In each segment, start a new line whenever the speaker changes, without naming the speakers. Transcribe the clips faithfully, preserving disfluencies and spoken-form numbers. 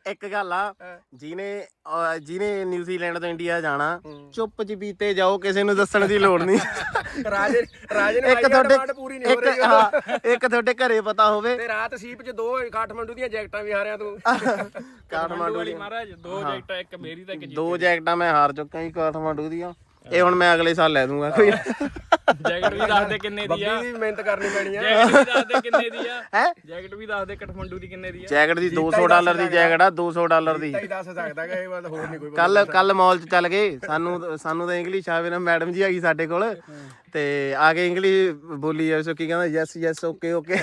ਇੱਕ ਗੱਲ ਆ ਜਿਹਨੇ ਅਹ ਜਿਹਨੇ ਨਿਊਜ਼ੀਲੈਂਡ ਤੋਂ ਇੰਡੀਆ ਜਾਣਾ ਚੁੱਪ ਚਪੀਤੇ ਜਾਓ, ਕਿਸੇ ਨੂੰ ਦੱਸਣ ਦੀ ਲੋੜ ਨਹੀਂ।
ਰਾਜੇ ਰਾਜੇ ਨੇ
ਇੱਕ ਤੁਹਾਡੇ
ਪੂਰੀ ਨਹੀਂ ਹੋ
ਇੱਕ
ਰਹੀ
ਹਾਂ, ਇੱਕ ਤੁਹਾਡੇ ਘਰੇ ਪਤਾ ਹੋਵੇ
ਤੇ ਰਾਤ ਸੀਪ ਚ ਦੋ ਕਾਠਮੰਡੂ ਦੀਆਂ ਜੈਕਟਾਂ ਵੀ ਹਾਰਿਆ ਤੂੰ।
ਕਾਠਮਾਂਡੂ ਦੀ
ਮਹਾਰਾਜ ਦੋ ਜੈਕਟਾਂ, ਇੱਕ ਮੇਰੀ ਤੇ ਇੱਕ ਜੀ
ਦੋ ਜੈਕਟਾਂ ਮੈਂ ਹਾਰ ਚੁੱਕਾ ਜੀ ਕਾਠਮਾਂਡੂ ਦੀਆਂ। ਇਹ ਹੁਣ ਮੈਂ ਅਗਲੇ ਸਾਲ ਲੈ ਦੂੰਗਾ ਕੋਈ।
ਜੈਕਟ ਵੀ ਦੱਸ ਦੇ ਕਿੰਨੇ ਦੀ ਆ,
ਬੱਬੀ ਦੀ ਮਿਹਨਤ ਕਰਨੀ ਪੈਣੀ ਆ।
ਜੈਕਟ ਵੀ ਦੱਸ ਦੇ ਕਿੰਨੇ ਦੀ ਆ,
ਹੈ
ਜੈਕਟ ਵੀ ਦੱਸ ਦੇ ਕਾਠਮੰਡੂ ਦੀ ਕਿੰਨੇ ਦੀ ਆ।
ਜੈਕਟ ਦੀ ਦੋ ਸੌ ਡਾਲਰ ਦੀ ਜੈਕਟ ਆ, ਦੋ ਸੌ ਡਾਲਰ ਦੀ।
ਤਾਂ ਹੀ ਦੱਸ ਸਕਦਾ ਕਿ ਇਹ ਬਾਤ ਹੋਰ ਨਹੀਂ ਕੋਈ।
ਕੱਲ ਕੱਲ ਮਾਲ ਚ ਚੱਲ ਗਏ, ਸਾਨੂੰ ਸਾਨੂੰ ਤਾਂ ਇੰਗਲਿਸ਼ ਆਵੇ ਨਾ, ਮੈਡਮ ਜੀ ਹੈਗੀ ਸਾਡੇ ਕੋਲ ਤੇ ਆ ਕੇ ਇੰਗਲਿਸ਼ ਬੋਲੀ ਜਾਵੇ, ਸੋ ਕੀ ਕਹਿੰਦਾ ਯੈਸ ਯੈਸ ਓਕੇ ਓਕੇ।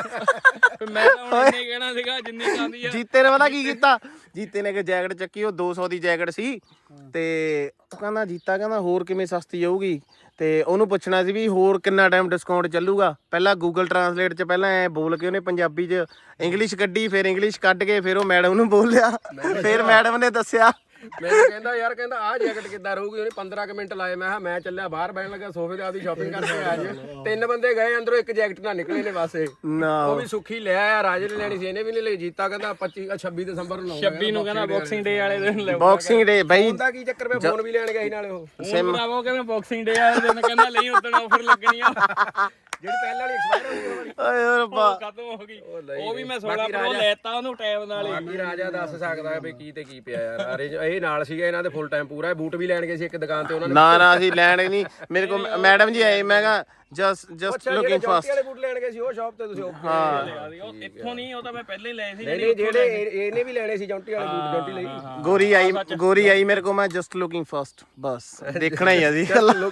ਮੈਂ ਤਾਂ ਹੁਣ ਇੰਨੇ ਕਹਿਣਾ ਸੀਗਾ ਜਿੰਨੀ ਚਾਹੁੰਦੀ ਆ।
ਜੀਤੇ ਨੇ ਪਤਾ ਕੀ ਕੀਤਾ, ਜੀਤੇ ਨੇ ਇੱਕ ਜੈਕਟ ਚੱਕੀ, ਉਹ ਦੋ ਸੌ ਦੀ ਜੈਕਟ ਸੀ ਤੇ ਉਹ ਕਹਿੰਦਾ ਜੀਤਾ ਕਹਿੰਦਾ ਹੋਰ ਕਿਵੇਂ ਸਸਤੀ ਜਾਊਗੀ, ਤੇ ਉਹਨੂੰ ਪੁੱਛਣਾ ਸੀ ਵੀ ਹੋਰ ਕਿੰਨਾ ਟਾਈਮ ਡਿਸਕਾਊਂਟ ਚੱਲੂਗਾ। ਪਹਿਲਾਂ ਗੂਗਲ ਟਰਾਂਸਲੇਟ 'ਚ ਪਹਿਲਾਂ ਐ ਬੋਲ ਕੇ ਉਹਨੇ ਪੰਜਾਬੀ 'ਚ ਇੰਗਲਿਸ਼ ਕੱਢੀ, ਫਿਰ ਇੰਗਲਿਸ਼ ਕੱਢ ਕੇ ਫਿਰ ਉਹ ਮੈਡਮ ਨੂੰ ਬੋਲਿਆ, ਫਿਰ ਮੈਡਮ ਨੇ ਦੱਸਿਆ।
ਮੈਨੂੰ ਕਹਿੰਦਾ ਯਾਰ ਕਹਿੰਦਾ ਆਹ ਜੈਕਟ ਕਿੱਦਾਂ ਰਹੂਗੀ। ਉਹਨੇ ਪੰਦਰਾਂ ਕੁ ਮਿੰਟ ਲਾਏ। ਮੈਂ ਕਿਹਾ ਮੈਂ ਚੱਲਿਆ ਬਾਹਰ ਬਹਿਣ ਲੱਗਾ ਸੋਫੇ ਤੇ, ਆਪਦੀ ਸ਼ਾਪਿੰਗ ਕਰਕੇ ਆ ਜੀ। ਤਿੰਨ ਬੰਦੇ ਗਏ ਅੰਦਰੋਂ, ਇੱਕ ਜੈਕਟ ਨਾਲ ਨਿਕਲੇ ਨੇ ਬਸ।
ਨਾ
ਉਹ ਵੀ ਸੁੱਖੀ ਲੈ ਆਇਆ, ਰਾਜੇ ਨੇ ਲੈਣੀ ਸੀ, ਇਹਨੇ ਵੀ ਨਹੀਂ ਲਈ। ਜੀਤਾ ਕਹਿੰਦਾ ਪੱਚੀ ਛੱਬੀ ਦਸੰਬਰ ਨੂੰ ਲਾਉਂਗਾ।
ਛੱਬੀ ਨੂੰ ਕਹਿੰਦਾ ਬਾਕਸਿੰਗ ਡੇ ਵਾਲੇ ਦਿਨ ਲੈ
ਬਾਕਸਿੰਗ ਡੇ ਬਈ
ਉਹਦਾ ਕੀ ਚੱਕਰ ਪਿਆ, ਫੋਨ ਵੀ ਲੈਣ ਗਏ ਸੀ ਨਾਲੇ ਉਹ।
ਸਿਮ ਭਰਾਵੋ ਕਹਿੰਦਾ ਬਾਕਸਿੰਗ ਡੇ ਵਾਲੇ ਦਿਨ ਕਹਿੰਦਾ ਲਈ ਉਦੋਂ ਆਫਰ ਲੱਗਣੀ ਆ,
ਜਿਹੜੀ ਪਹਿਲਾਂ ਵਾਲੀ ਐਕਸਪਾਇਰ ਹੋ ਗਈ ਉਹ ਵਾਲੀ।
ਓਏ ਰੱਬਾ
ਖਤਮ ਹੋ ਗਈ। ਉਹ ਵੀ ਮੈਂ ਸੋਲਾਂ ਪ੍ਰੋ ਲੈਤਾ ਉਹਨੂੰ ਟਾਈਮ ਨਾਲ ਹੀ।
ਬਾਕੀ ਰਾਜਾ ਦੱਸ ਸਕਦਾ ਵੀ ਕੀ ਤੇ ਕੀ ਪਿਆ ਯਾਰ। ਅਰੇ ਇਹ ਨਾਲ ਸੀਗਾ ਇਹਨਾਂ ਦੇ ਫੁੱਲ ਟਾਈਮ ਪੂਰਾ। ਬੂਟ ਵੀ ਲੈਣ ਗਏ ਸੀ ਇੱਕ ਦੁਕਾਨ ਤੇ ਉਹਨਾਂ ਨੇ।
ਨਾ ਨਾ ਅਸੀਂ ਲੈਣ ਹੀ ਨਹੀਂ। ਮੇਰੇ ਕੋਲ ਮੈਡਮ ਜੀ ਆਏ, ਮੈਂ ਕਿਹਾ ਜਸਟ ਜਸਟ ਲੁਕਿੰਗ ਫਾਸਟ।
ਵਾਲੇ ਬੂਟ ਲੈਣ ਗਏ ਸੀ ਉਹ ਸ਼ਾਪ ਤੇ ਤੁਸੀਂ।
ਹਾਂ
ਉਹ ਇੱਥੋਂ ਨਹੀਂ, ਉਹ ਤਾਂ ਮੈਂ ਪਹਿਲਾਂ ਹੀ ਲਏ ਸੀ।
ਨਹੀਂ ਨਹੀਂ ਜਿਹੜੇ ਇਹ- ਇਹਨੇ ਵੀ ਲੈਣੇ ਸੀ ਜੌਂਟੀ ਵਾਲੇ ਬੂਟ, ਜੌਂਟੀ ਲਈ।
ਗੋਰੀ ਆਈ ਗੋਰੀ ਆਈ ਮੇਰੇ ਕੋਲ, ਮੈਂ ਜਸਟ ਲੁਕਿੰਗ ਫਾਸਟ, ਬਸ ਦੇਖਣਾ ਹੀ ਆ ਜੀ,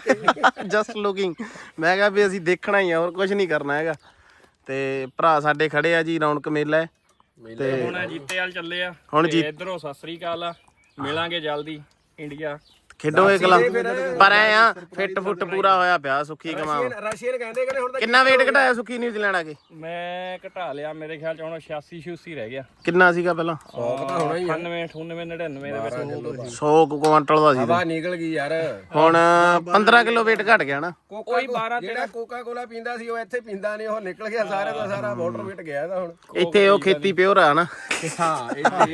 ਜਸਟ ਲੁਕਿੰਗ। ਮੈਂ ਕਿਹਾ ਵੀ ਅਸੀਂ ਦੇਖਣਾ ਹੀ ਆ, ਹੋਰ ਕੁਝ ਨਹੀਂ ਕਰਨਾ ਹੈਗਾ। ਤੇ ਭਰਾ ਸਾਡੇ ਖੜੇ ਆ ਜੀ, ਰੌਣਕ ਮੇਲਾ
ਤੇ ਹੁਣ ਜੀਤੇ ਵਾਲ ਚੱਲੇ ਆ।
ਹੁਣ
ਤੇ
ਜੀ
ਇਧਰੋਂ ਸਤਿ ਸ੍ਰੀ ਅਕਾਲ ਆ, ਮਿਲਾਂਗੇ ਜਲਦੀ ਇੰਡੀਆ।
ਖੇਡੋ ਇਹ ਕਲਾ, ਪਰ ਐ ਆ ਫਿੱਟ ਫੁੱਟ ਪੂਰਾ ਹੋਇਆ ਪਿਆ ਸੁੱਖੀ ਕਮਾ।
ਰਸ਼ੀਅਨ ਕਹਿੰਦੇ ਕਹਿੰਦੇ ਹੁਣ ਤਾਂ
ਕਿੰਨਾ weight ਘਟਾਇਆ ਸੁੱਖੀ ਨਿਊਜ਼ੀਲੈਂਡ ਆ ਕੇ?
ਮੈਂ ਘਟਾ ਲਿਆ, ਮੇਰੇ ਖਿਆਲ ਚ ਹੁਣ ਛਿਆਸੀ ਛਿਆਸੀ ਰਹਿ ਗਿਆ।
ਕਿੰਨਾ ਸੀਗਾ ਪਹਿਲਾਂ?
ਸੌ ਤਾਂ ਹੋਣਾ ਹੀ ਆ।
ਅਠਾਨਵੇਂ ਅਠਾਨਵੇਂ ਨੜਿਨਵੇਂ ਦੇ ਵਿੱਚ
ਸੌ ਕੁਆਂਟਲ ਦਾ ਸੀ
ਹਵਾ ਨਿਕਲ ਗਈ ਯਾਰ।
ਹੁਣ ਪੰਦਰਾਂ ਕਿਲੋ weight ਘਟ ਗਿਆ ਨਾ।
ਕੋਈ ਬਾਰਾਂ ਜਿਹੜਾ ਕੋਕਾ ਕੋਲਾ ਪੀਂਦਾ ਸੀ ਉਹ ਇੱਥੇ ਪੀਂਦਾ ਨਹੀਂ, ਉਹ ਨਿਕਲ ਗਿਆ ਸਾਰੇ ਦਾ ਸਾਰਾ। ਵਾਟਰ ਵੇਟ ਗਿਆ ਇਹਦਾ ਹੁਣ।
ਇੱਥੇ ਉਹ ਖੇਤੀ ਪਿਓਰ ਆ ਨਾ।
ਹਾਂ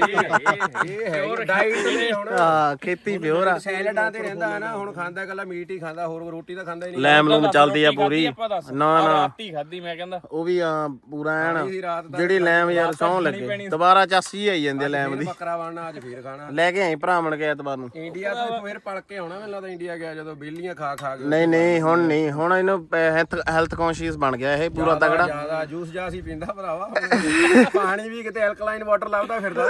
ਇਹ ਹੈ ਡਾਈਟ ਤੇ ਹੁਣ।
ਹਾਂ ਖੇਤੀ ਪਿਓਰ ਆ।
ਸੈਲਡਾਂ ਤੇ ਰਹਿੰਦਾ ਹੈ ਨਾ, ਹੁਣ ਖਾਂਦਾ ਇਕੱਲਾ ਮੀਟ ਹੀ ਖਾਂਦਾ, ਹੋਰ ਰੋਟੀ ਤਾਂ ਖਾਂਦਾ ਹੀ ਨਹੀਂ।
ਲੈਮ ਲੂਮ ਚੱਲਦੀ ਆ ਪੂਰੀ। ਨਾ ਨਾ
ਰਾਤੀ ਖਾਦੀ ਮੈਂ ਕਹਿੰਦਾ
ਉਹ ਵੀ ਆ ਪੂਰਾ ਐਨ
ਸੀ ਰਾਤ ਦਾ।
ਜਿਹੜੀ ਲੈਮ ਯਾਰ ਸੌਂ ਲੱਗੇ ਦੁਬਾਰਾ ਚਾਸੀ ਆਈ ਜਾਂਦੀ ਆ ਲੈਮ ਦੀ।
ਬੱਕਰਾ ਬਣਨਾ ਅੱਜ ਫੇਰ ਖਾਣਾ।
ਲੈ ਕੇ ਆਈ ਭਰਾ ਮਣ ਕੇ ਐਤਵਾਰ ਨੂੰ।
ਇੰਡੀਆ ਤੋਂ ਫੇਰ ਪਲ ਕੇ ਆਉਣਾ ਮੈਨੂੰ ਲੱਗਦਾ। ਇੰਡੀਆ ਗਿਆ ਜਦੋਂ ਬੇਲੀਆਂ ਖਾ ਖਾ ਕੇ।
ਨਹੀਂ ਨਹੀਂ ਹੁਣ ਨਹੀਂ, ਹੁਣ ਇਹਨੂੰ ਹੈਲਥ ਕੌਨਸ਼ੀਅਸ ਬਣ ਗਿਆ ਇਹ ਪੂਰਾ ਤਗੜਾ।
ਜਿਆਦਾ ਜੂਸ ਜਾਸ ਹੀ ਪੀਂਦਾ ਭਰਾਵਾ। ਪਾਣੀ ਵੀ ਕਿਤੇ ਐਲਕਲਾਈਨ ਵਾਟਰ ਲੱਭਦਾ ਫਿਰਦਾ।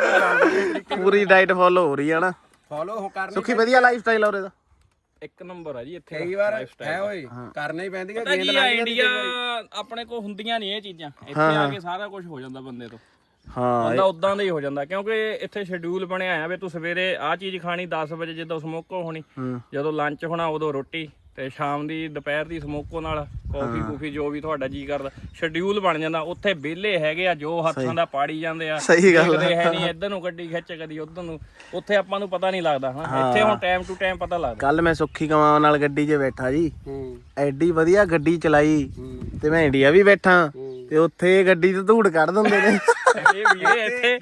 ਪੂਰੀ ਡਾਈਟ ਫੋਲੋ ਹੋ ਰਹੀ ਆ ਨਾ।
ਫੋਲੋ ਹੋ ਕਰਨੀ
ਸੁੱਖੀ ਵਧੀਆ ਲਾਈਫ ਸਟਾਈਲ ਆ ਉਰੇ ਦਾ।
ਇੱਕ ਨੰਬਰ ਆ ਜੀ ਇੱਥੇ
ਕਈ ਵਾਰ ਹੈ ਓਏ ਕਰਨਾ ਹੀ ਪੈਂਦੀ ਹੈ।
ਪਤਾ ਕੀ ਆ, ਇੰਡੀਆ ਆਪਣੇ ਕੋਲ ਹੁੰਦੀਆਂ ਨਹੀਂ ਇਹ ਚੀਜ਼ਾਂ। ਇੱਥੇ ਆ ਕੇ ਸਾਰਾ ਕੁਝ ਹੋ ਜਾਂਦਾ ਬੰਦੇ ਤੋਂ।
ਹਾਂ
ਬੰਦਾ ਉਦਾਂ ਦਾ ਹੀ ਹੋ ਜਾਂਦਾ, ਕਿਉਂਕਿ ਇੱਥੇ ਸ਼ਡਿਊਲ ਬਣਿਆ ਆ ਵੀ ਤੂੰ ਸਵੇਰੇ ਆਹ ਚੀਜ਼ ਖਾਣੀ ਦਸ ਵਜੇ ਜਦੋਂ ਸਮੋਕੋ ਹੋਣੀ, ਜਦੋਂ ਲੰਚ ਹੋਣਾ ਉਦੋਂ ਰੋਟੀ, ਤੇ ਸ਼ਾਮ ਦੀ ਦੁਪਹਿਰ ਦੀ ਸਮੋਕੋ ਨਾਲ ਕਾਫੀ ਕੂਫੀ ਜੋ ਵੀ ਤੁਹਾਡਾ ਜੀ ਕਰਦਾ। ਸ਼ਡਿਊਲ ਬਣ ਜਾਂਦਾ। ਉੱਥੇ ਵਿਹਲੇ ਹੈਗੇ ਆ ਜੋ ਹੱਥਾਂ ਦਾ ਪਾੜੀ ਜਾਂਦੇ ਆ।
ਸਹੀ ਗੱਲ
ਦੇਖਦੇ ਹੈ ਨਹੀਂ ਇੱਧਰ ਨੂੰ ਗੱਡੀ ਖਿੱਚ ਕਦੀ ਉੱਧਰ ਨੂੰ। ਉੱਥੇ ਆਪਾਂ ਨੂੰ ਪਤਾ ਨਹੀਂ ਲੱਗਦਾ ਹਨਾ, ਇੱਥੇ ਹੁਣ ਟਾਈਮ ਟੂ ਟਾਈਮ ਪਤਾ ਲੱਗਦਾ।
ਕੱਲ ਮੈਂ ਸੁੱਖੀ ਕਮਾਂ ਨਾਲ ਗੱਡੀ 'ਚ ਬੈਠਾ ਜੀ, ਐਡੀ ਵਧੀਆ ਗੱਡੀ ਚਲਾਈ ਤੇ ਮੈਂ ਇੰਡੀਆ ਵੀ ਬੈਠਾ ਤੇ ਉੱਥੇ ਗੱਡੀ 'ਚ ਧੂੜ ਕੱਢ ਦਿੰਦੇ ਨੇ।
ਇਹ ਵੀ ਇੱਥੇ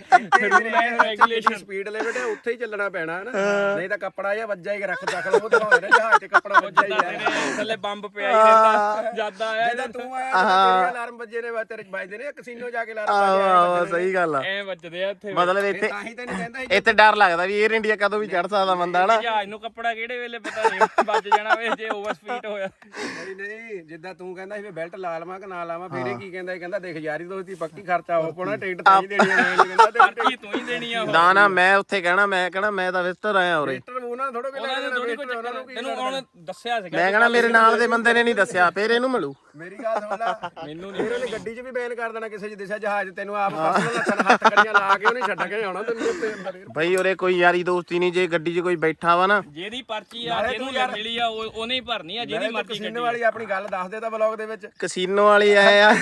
ਰੈਗੂਲੇਸ਼ਨ
ਸਪੀਡ ਲਿਮਿਟ ਹੈ, ਉੱਥੇ ਹੀ ਚੱਲਣਾ ਪੈਣਾ ਹੈ ਨਾ। ਨਹੀਂ ਤਾਂ ਕੱਪੜਾ ਜਿਹਾ ਵੱਜਾ ਹੀ ਰੱਖ ਚੱਕ ਲਓ। ਉਹ ਦਿਖਾਉਂਦੇ ਨੇ ਜਹਾਜ਼ ਤੇ ਕੱਪੜਾ ਵੱਜਾ ਹੀ ਹੈ,
ਥੱਲੇ ਬੰਬ ਪਿਆ ਹੀ ਰਹਿੰਦਾ। ਜਿਆਦਾ ਆਇਆ
ਜਦੋਂ ਤੂੰ ਆਇਆ ਤੇਰੇ ਅਲਾਰਮ ਵੱਜੇ ਨੇ, ਤੇਰੇ ਵੱਜਦੇ ਨੇ ਕਸੀਨੋ ਜਾ ਕੇ ਅਲਾਰਮ
ਆਹ ਸਹੀ ਗੱਲ ਆ।
ਐ ਵੱਜਦੇ ਆ ਇੱਥੇ।
ਮਤਲਬ ਇੱਥੇ
ਤਾਂ ਹੀ ਤੈਨੂੰ ਕਹਿੰਦਾ
ਇੱਥੇ ਡਰ ਲੱਗਦਾ ਵੀ 에ਅਰ ਇੰਡੀਆ ਕਦੋਂ ਵੀ ਚੜ ਸਕਦਾ ਬੰਦਾ ਨਾ।
ਜਹਾਜ਼ ਨੂੰ ਕੱਪੜਾ ਕਿਹੜੇ ਵੇਲੇ ਪਤਾ ਨਹੀਂ ਵੱਜ ਜਾਣਾ ਵੇ ਜੇ ਓਵਰ ਸਪੀਡ ਹੋਇਆ।
ਨਹੀਂ ਨਹੀਂ ਜਿੱਦਾਂ ਤੂੰ ਕਹਿੰਦਾ ਸੀ ਵੀ ਬੈਲਟ ਲਾ ਲਵਾਂ ਕਿ ਨਾ ਲਾਵਾਂ, ਫੇਰ ਇਹ ਕੀ ਕਹਿੰਦਾ? ਇਹ ਕਹਿੰਦਾ ਦੇਖ ਯਾਰੀ ਦੋਸਤੀ ਪੱਕੀ ਖਰਚਾ ਹੋ ਪਣਾ, ਟਿਕਟ ਤਾਂ ਹੀ ਦੇਣੀ ਆ। ਮੈਂ ਨਹੀਂ ਕਹਿੰਦਾ
ਪਾਰਟੀ ਤੂੰ ਹੀ ਦੇਣੀ ਆ।
ਨਾ ਨਾ ਮੈਂ ਉੱਥੇ ਕਹਿਣਾ, ਮੈਂ ਕਹਿਣਾ ਮੈਂ ਤਾਂ ਵਿਜ਼ਟਰ ਆਇਆ ਉਰੇ।
ਉਹਨਾਂ ਥੋੜਾ ਕਿ ਲੈਣਾ
ਥੋੜੀ ਕੋਈ ਚੱਕਰ ਤੈਨੂੰ ਹੁਣ ਦੱਸਿਆ ਸੀਗਾ।
ਮੈਂ ਕਹਿਣਾ ਮੇਰੇ ਨਾਲ ਦੇ ਬੰਦੇ ਨੇ ਨਹੀਂ ਦੱਸਿਆ, ਫੇਰ ਇਹਨੂੰ ਮਿਲੂ।
ਮੇਰੀ ਗੱਲ ਸੁਣ ਲੈ,
ਮੈਨੂੰ
ਫਿਰ ਉਹਨੇ ਗੱਡੀ 'ਚ ਵੀ ਬੈਨ ਕਰ ਦੇਣਾ ਕਿਸੇ 'ਚ ਦਿਸ਼ਾ ਜਹਾਜ਼। ਤੈਨੂੰ ਆਪ ਪਰਸਨਲ ਹੱਥਾਂ ਹੱਥ ਕੜੀਆਂ ਲਾ ਕੇ ਉਹਨੇ ਛੱਡ ਕੇ ਆਉਣਾ ਤੈਨੂੰ ਉੱਤੇ ਅੰਦਰ।
ਬਈ ਉਰੇ ਕੋਈ ਯਾਰੀ ਦੋਸਤੀ ਨਹੀਂ। ਜੇ ਗੱਡੀ 'ਚ ਕੋਈ ਬੈਠਾ ਵਾ ਨਾ,
ਜਿਹਦੀ ਪਰਚੀ ਆ ਜਿਹਨੂੰ ਮਿਲੀ ਆ ਉਹ ਉਹਨੇ ਹੀ ਭਰਨੀ ਆ, ਜਿਹਦੀ ਮਰਜ਼ੀ
ਕਸੀਨੇ ਵਾਲੀ ਆਪਣੀ ਗੱਲ ਦੱਸ ਦੇ ਤਾਂ ਵਲੌਗ ਦੇ ਵਿੱਚ।
ਕਸੀਨੋ ਵਾਲੀ ਆਏ ਆ।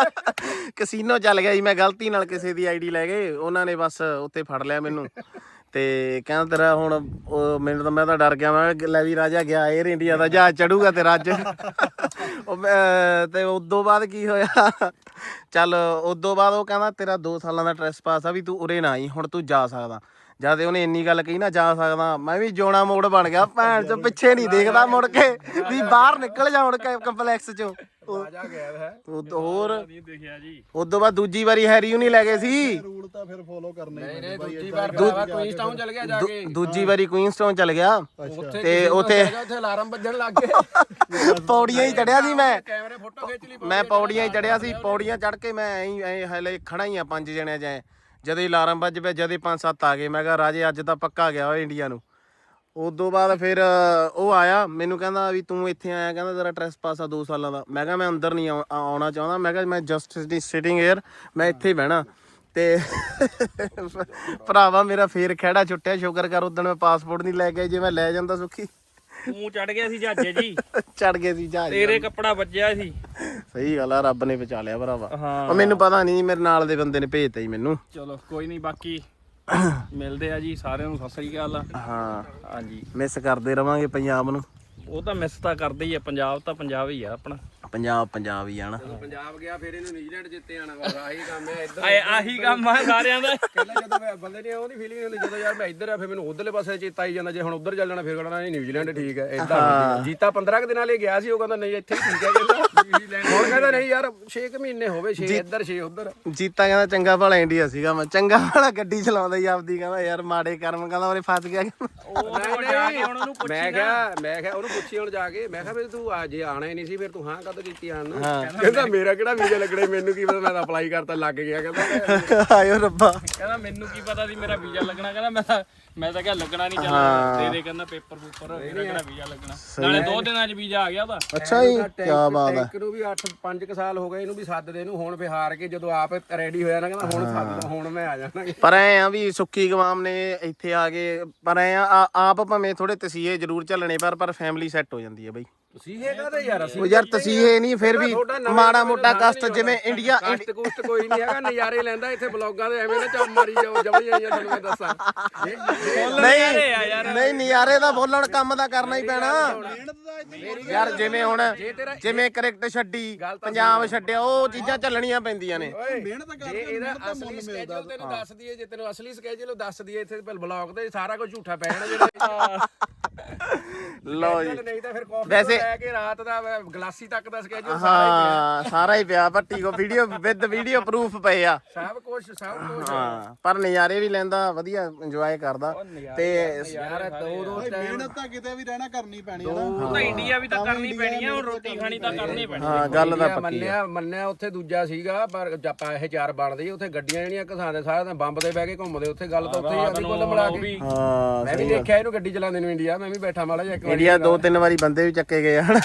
ਕਸੀਨੋ ਚੱਲ ਗਿਆ ਜੀ, ਮੈਂ ਗਲਤੀ ਨਾਲ ਕਿਸੇ ਦੀ ਆਈਡੀ ਲੈ ਗਏ, ਉਹਨਾਂ ਨੇ ਬਸ ਉੱਥੇ ਫੜ ਲਿਆ ਮੈਨੂੰ ਤੇ ਕਹਿੰਦਾ ਤੇਰਾ ਹੁਣ ਉਹ ਮੈਨੂੰ ਤਾਂ ਮੈਂ ਤਾਂ ਡਰ ਗਿਆ ਮੈਂ ਕਿਹਾ ਲੈ ਵੀ ਰਾਜਾ ਗਿਆ 에ਅਰ ਇੰਡੀਆ ਦਾ ਜਹਾਜ਼ ਚੜੂਗਾ ਤੇਰਾ ਅੱਜ ਉਹ ਮੈਂ- ਤੇ ਉਦੋਂ ਬਾਅਦ ਕੀ ਹੋਇਆ ਚੱਲ ਉਦੋਂ ਬਾਅਦ ਉਹ ਕਹਿੰਦਾ ਤੇਰਾ ਦੋ ਸਾਲਾਂ ਦਾ ਟ੍ਰੈਸ ਪਾਸ ਆ ਵੀ ਤੂੰ ਉਰੇ ਨਾ ਆਈ ਹੁਣ ਤੂੰ ਜਾ ਸਕਦਾ ਜਦ ਉਹਨੇ ਇੰਨੀ ਗੱਲ ਕਹੀ ਨਾ ਜਾ ਸਕਦਾ ਮੈਂ ਵੀ ਜੋਣਾ ਮੋੜ ਬਣ ਗਿਆ ਭੈਣ ਚੋਂ ਪਿੱਛੇ ਨਹੀਂ ਦੇਖਦਾ ਮੁੜ ਕੇ ਵੀ ਬਾਹਰ ਨਿਕਲ ਜਾ ਮੁੜ ਕੇ ਕੰਪਲੈਕਸ ਚੋਂ
ਰਾਜਾ ਗਿਆ ਹੈ
ਉਦੋਂ ਹੋਰ
ਨਹੀਂ ਦੇਖਿਆ ਜੀ
ਉਦੋਂ ਬਾਅਦ ਦੂਜੀ ਵਾਰੀ ਹੈਰੀ ਨੂੰ ਨਹੀਂ ਲੈ ਗਏ ਸੀ
ਰੂਲ ਤਾਂ ਫਿਰ ਫੋਲੋ ਕਰਨੇ ਹੀ
ਨਹੀਂ
ਪੈਂਦੇ
ਨਹੀਂ
ਬਾਈ
ਦੂਜੀ
ਏਦਾਂ
ਵਾਰ
ਏਦਾਂ
ਭਰਾਵਾ ਕੁਈਨਸਟਾਊਨ ਚਲ ਗਿਆ ਜਾ
ਦੂ-
ਕੇ
ਦੂਜੀ ਵਾਰੀ ਕੁਈਨਸਟਾਊਨ ਚਲ ਗਿਆ
ਉੱਥੇ
ਤੇ
ਕਿਸੇ ਨੂੰ
ਉੱਥੇ
ਲੱਗਾ, ਉੱਥੇ ਅਲਾਰਮ ਵੱਜਣ ਲੱਗ ਗਏ
ਪੌੜੀਆਂ ਹੀ ਚੜਿਆ ਸੀ ਮੈਂ
ਕੈਮਰੇ ਫੋਟੋ ਖਿੱਚ ਲਈ
ਮੈਂ ਪੌੜੀਆਂ ਹੀ ਚੜਿਆ ਸੀ ਪੌੜੀਆਂ ਚੜ ਕੇ ਮੈਂ ਐਂ ਐਂ ਹਲੇ ਖੜਾ ਹੀ ਆ ਪੰਜ ਜਣਿਆਂ ਚ ਐਂ। ਜਦੋਂ ਹੀ ਅਲਾਰਮ ਵੱਜ ਪਿਆ ਜਦੇ ਪੰਜ ਸੱਤ ਆ ਗਏ ਮੈਂ ਕਿਹਾ ਰਾਜੇ ਅੱਜ ਤਾਂ ਪੱਕਾ ਗਿਆ ਓਏ ਇੰਡੀਆ ਨੂੰ ਉਦੋਂ ਬਾਅਦ ਫਿਰ ਅ, ਉਹ ਆਇਆ ਮੈਨੂੰ ਕਹਿੰਦਾ ਵੀ ਤੂੰ ਇੱਥੇ ਆਇਆ ਕਹਿੰਦਾ ਤੇਰਾ ਟ੍ਰੈਸ ਪਾਸ ਆ ਦੋ ਸਾਲਾਂ ਦਾ ਮੈਂ ਕਿਹਾ ਮੈਂ ਅੰਦਰ ਨਹੀਂ ਆਉ- ਆਉਣਾ ਚਾਹੁੰਦਾ ਮੈਂ ਕਿਹਾ ਮੈਂ ਜਸਟ ਸਿਟਿੰਗ ਏਅਰ ਮੈਂ ਇੱਥੇ ਹੀ ਬਹਿਣਾ ਤੇ ਭਰਾਵਾ ਮੇਰਾ ਫੇਰ ਖਹਿੜਾ ਛੁੱਟਿਆ ਸ਼ੁਕਰ ਕਰ ਉਦੋਂ ਮੈਂ ਪਾਸਪੋਰਟ ਨਹੀਂ ਲੈ ਕੇ ਜੇ ਮੈਂ ਲੈ ਜਾਂਦਾ ਸੁੱਖੀ
ਤੂੰ ਚੜ ਗਿਆ ਸੀ ਜਹਾਜ਼ੇ ਜੀ
ਚੜ ਗਏ ਸੀ ਜਹਾਜ਼
ਤੇਰੇ ਕੱਪੜਾ ਵੱਜਿਆ ਸੀ
ਸਹੀ ਗੱਲ ਆ ਰੱਬ ਨੇ ਬਚਾ ਲਿਆ ਭਰਾਵਾ
ਹਾਂ
ਉਹ ਮੈਨੂੰ ਪਤਾ ਨਹੀਂ ਮੇਰੇ ਨਾਲ ਦੇ ਬੰਦੇ ਨੇ ਭੇਜਤਾ ਜੀ ਮੈਨੂੰ
ਚਲੋ ਕੋਈ ਨਹੀਂ ਬਾਕੀ ਮਿਲਦੇ ਆ ਜੀ ਸਾਰਿਆਂ ਨੂੰ ਸਤਿ ਸ੍ਰੀ ਅਕਾਲ
ਹਾਂ
ਹਾਂਜੀ
ਮਿਸ ਕਰਦੇ ਰਵਾਂਗੇ ਪੰਜਾਬ ਨੂੰ
ਉਹ ਤਾਂ ਮਿਸ ਤਾਂ ਕਰਦੇ ਹੀ ਆ ਪੰਜਾਬ ਤਾਂ ਪੰਜਾਬ ਹੀ ਆ ਆਪਣਾ
ਪੰਜਾਬ ਪੰਜਾਬ ਹੀ ਆਣਾ
ਪੰਜਾਬ ਗਿਆ ਫਿਰ ਇਹਨੂੰ ਨਿਊਜ਼ੀਲੈਂਡ ਜਿੱਤੇ ਆਣਾ ਵਾ ਆਹੀ ਕੰਮ ਹੈ ਇੱਧਰ
ਆਏ ਆਹੀ ਕੰਮ ਆ ਸਾਰਿਆਂ ਦਾ
ਪਹਿਲਾਂ ਜਦੋਂ ਮੈਂ ਬੰਦੇ ਨੇ ਉਹਦੀ ਫੀਲਿੰਗ ਹੁੰਦੀ ਜਦੋਂ ਯਾਰ ਮੈਂ ਇੱਧਰ ਆ ਫਿਰ ਮੈਨੂੰ ਉਧਰਲੇ ਪਾਸੇ ਚੇਤਾ ਆਈ ਜਾਂਦਾ ਜੇ ਹੁਣ ਉਧਰ ਚੱਲ ਜਾਣਾ ਫਿਰ ਕਹਣਾ ਨਹੀਂ ਨਿਊਜ਼ੀਲੈਂਡ ਠੀਕ ਹੈ ਇਦਾਂ ਜੀਤਾ ਪੰਦਰਾਂ ਕੁ ਦਿਨਾਂ ਲਈ ਗਿਆ ਸੀ ਉਹ ਕਹਿੰਦਾ ਨਹੀਂ ਇੱਥੇ ਹੀ ਠੀਕ ਹੈ ਕਹਿੰਦਾ ਨਿਊਜ਼ੀਲੈਂਡ ਹੁਣ ਕਹਿੰਦਾ ਨਹੀਂ ਯਾਰ ਛੇ ਕੁ ਮਹੀਨੇ ਹੋਵੇ ਛੇ ਇੱਧਰ ਛੇ ਉਧਰ
ਜੀਤਾ ਕਹਿੰਦਾ ਚੰਗਾ ਭਲਾ ਇੰਡੀਆ ਸੀਗਾ ਮੈਂ ਚੰਗਾ ਭਲਾ ਗੱਡੀ ਚਲਾਉਂਦਾ ਹੀ ਆਪਦੀ ਕਹਿੰਦਾ ਯਾਰ ਮਾੜੇ ਕਰਮ ਕਹਿੰਦਾ ਉਹਨੇ ਫਸ ਗਿਆ
ਉਹ ਤਾਂ ਜਾ ਕੇ ਹੁਣ ਉਹਨੂੰ
ਮੈਂ ਕਿਹਾ ਮੈਂ ਕਿਹਾ ਉਹਨੂੰ ਪੁੱਛੀ ਹੁਣ ਜਾ ਕੇ ਮੈਂ ਕਿਹਾ ਵੀ ਤੂੰ ਆ ਜੇ ਆਣਾ ਹੀ ਨਹੀਂ ਸੀ ਫਿਰ ਤੂੰ ਹਾਂ ਕਦੋਂ ਕੀਤੀ ਆਣ ਨੂੰ ਕਹਿੰਦਾ ਮੇਰਾ ਕਿਹੜਾ ਵੀਜ਼ਾ ਲੱਗਣਾ ਮੈਨੂੰ ਕੀ ਪਤਾ ਮੈਂ ਤਾਂ ਅਪਲਾਈ ਕਰਤਾ ਲੱਗ ਗਿਆ ਕਹਿੰਦਾ
ਆਇਓ ਰੱਬਾ
ਕਹਿੰਦਾ ਮੈਨੂੰ ਕੀ ਪਤਾ ਸੀ ਮੇਰਾ ਵੀਜ਼ਾ ਲੱਗਣਾ ਕਹਿੰਦਾ ਮੈਂ ਤਾਂ ਮੈਂ ਤਾਂ ਕਿਹਾ ਲੱਗਣਾ ਨਹੀਂ ਚੱਲ ਤੇਰੇ ਕਹਿੰਦਾ ਪੇਪਰ ਪੂਪਰ ਮੇਰਾ ਕਿਹੜਾ ਵੀਜ਼ਾ ਲੱਗਣਾ ਨਾਲੇ ਦੋ ਦਿਨਾਂ 'ਚ ਵੀਜ਼ਾ ਆ ਗਿਆ ਉਹਦਾ
ਅੱਛਾ ਜੀ ਕੀ ਬਾਤ ਹੈ
ਟੈਂਕ ਨੂੰ ਵੀ ਅੱਠ ਪੰਜ ਕੁ ਸਾਲ ਹੋ ਗਏ ਇਹਨੂੰ ਵੀ ਸੱਦ ਦੇ ਇਹਨੂੰ ਹੁਣ ਬਿਹਾਰ ਕੇ ਜਦੋਂ ਆਪ ਰੈਡੀ ਹੋਇਆ ਨਾ ਕਹਿੰਦਾ ਹੁਣ ਸੱਦ ਦੋ ਹੁਣ ਮੈਂ ਆ ਜਾਣਾ
ਪਰ ਐ ਆ ਵੀ ਸੁੱਖੀ ਗਵਾਮ ਨੇ ਇੱਥੇ ਆ ਕੇ ਪਰ ਐ ਆ ਆਪ ਭਾਵੇਂ ਥੋੜੇ ਤਸੀਹੇ ਜ਼ਰੂਰ ਝੱਲਣੇ ਪਰ ਪਰ ਫੈਮਿਲੀ ਸੈੱਟ ਹੋ ਜਾਂਦੀ ਹੈ ਬਈ
ਤੁਸੀਂ ਇਹ ਕਹਦੇ ਯਾਰ ਅਸੀਂ
ਉਹ ਯਾਰ ਤਸੀਹੇ ਨਹੀਂ ਫਿਰ ਵੀ ਮਾੜਾ ਮੋਟਾ ਕਸ਼ਟ ਜਿਵੇਂ ਇੰਡੀਆ
ਕਸ਼ਟ ਕੁਸ਼ਟ ਕੋਈ ਨਹੀਂ ਹੈਗਾ ਨਜ਼ਾਰੇ ਲੈਂਦਾ ਇੱਥੇ ਬਲੌਗਾਂ ਦੇ ਐਵੇਂ ਨਾ ਚੱਪ ਮਾਰੀ ਜਾਓ ਜਮੀ ਆਈਆਂ ਤੁਹਾਨੂੰ ਮੈਂ ਦੱਸਾਂ
ਨਹੀਂ ਨਹੀਂ ਨਿਆਰੇ ਦਾ ਬੋਲਣ ਕੰਮ ਦਾ ਕਰਨਾ ਹੀ ਪੈਣਾ ਯਾਰ ਜਿਵੇਂ ਹੁਣ ਜਿਵੇਂ ਕ੍ਰਿਕਟ ਛੱਡੀ ਪੰਜਾਬ ਛੱਡਿਆ ਉਹ ਚੀਜ਼ਾਂ ਚੱਲਣੀਆਂ ਪੈਂਦੀਆਂ ਨੇ
ਮਿਹਨਤ
ਜੇ ਇਹਦਾ ਅਸਲੀ ਸਕੇਜੂਲ ਤੈਨੂੰ ਦੱਸ ਦਈਏ ਜੇ ਤੈਨੂੰ ਅਸਲੀ ਸਕੇਜੂਲ ਦੱਸ ਦਈਏ ਇੱਥੇ ਬਲੌਗ ਤੇ ਸਾਰਾ ਕੁਝ ਝੂਠਾ ਪੈ ਜਾਣਾ ਜਿਹੜਾ
ਲਓ ਜੀ
ਨਹੀਂ ਤਾਂ ਫਿਰ ਕਾਫੀ
ਵੈਸੇ-
ਤੋਂ ਲੈ ਕੇ ਰਾਤ ਦਾ ਗਲਾਸੀ ਤੱਕ ਦਾ ਸਕੇਜੂਲ
ਹਾਂ ਸਾਰਾ ਹੀ ਪਿਆ ਭੱਟੀ ਕੋ ਵੀਡੀਓ ਵਿਦ ਵੀਡੀਓ ਪ੍ਰੂਫ ਪਏ ਆ
ਸਭ ਕੁਝ ਸਭ ਕੁਝ
ਹਾਂ ਪਰ ਨਜ਼ਾਰੇ ਵੀ ਲੈਂਦਾ ਵਧੀਆ ਇੰਜੋਏ ਕਰਦਾ ਤੇ
ਯਾਰ ਦੋ ਦੋ
ਮਿਹਨਤ ਤਾਂ ਕਿਤੇ ਵੀ ਰਹਿਣਾ ਕਰਨੀ ਪੈਣੀ ਹੈ ਨਾ
ਉਹ ਤਾਂ ਇੰਡੀਆ ਵੀ ਤਾਂ ਕਰਨੀ ਪੈਣੀ ਆ ਹੁਣ ਰੋਟੀ ਖਾਣੀ ਤਾਂ ਕਰਨੀ ਪੈਣੀ
ਹਾਂ ਗੱਲ ਤਾਂ ਪੱਕੀ ਆ
ਮੰਨਿਆ ਮੰਨਿਆ ਉੱਥੇ ਦੂਜਾ ਸੀਗਾ ਪਰ ਆਪਾਂ ਇਹ ਚਾਰ ਬਣਦੇ ਉੱਥੇ ਗੱਡੀਆਂ ਜਿਹੜੀਆਂ ਘਸਾਉਂਦੇ ਸਾਰਾ ਦਿਨ ਬੰਬ ਦੇ ਬਹਿ ਕੇ ਘੁੰਮਦੇ ਉੱਥੇ ਗੱਲ ਤਾਂ ਉੱਥੇ ਹੀ ਆਦੀ ਕੋਲ ਮਿਲਾ ਕੇ
ਹਾਂ
ਮੈਂ ਵੀ ਦੇਖਿਆ ਇਹਨੂੰ ਗੱਡੀ ਚਲਾਉਂਦੇ ਨੂੰ ਇੰਡੀਆ ਮੈਂ ਵੀ ਬੈਠਾ ਮਾੜਾ ਜਿਹਾ ਇੱਕ ਵਾਰੀ
ਇੰਡੀਆ ਦੋ ਤਿੰਨ ਵਾਰੀ ਬੰਦੇ ਵੀ ਚੱਕੇ ਗਏ ਹਨਾ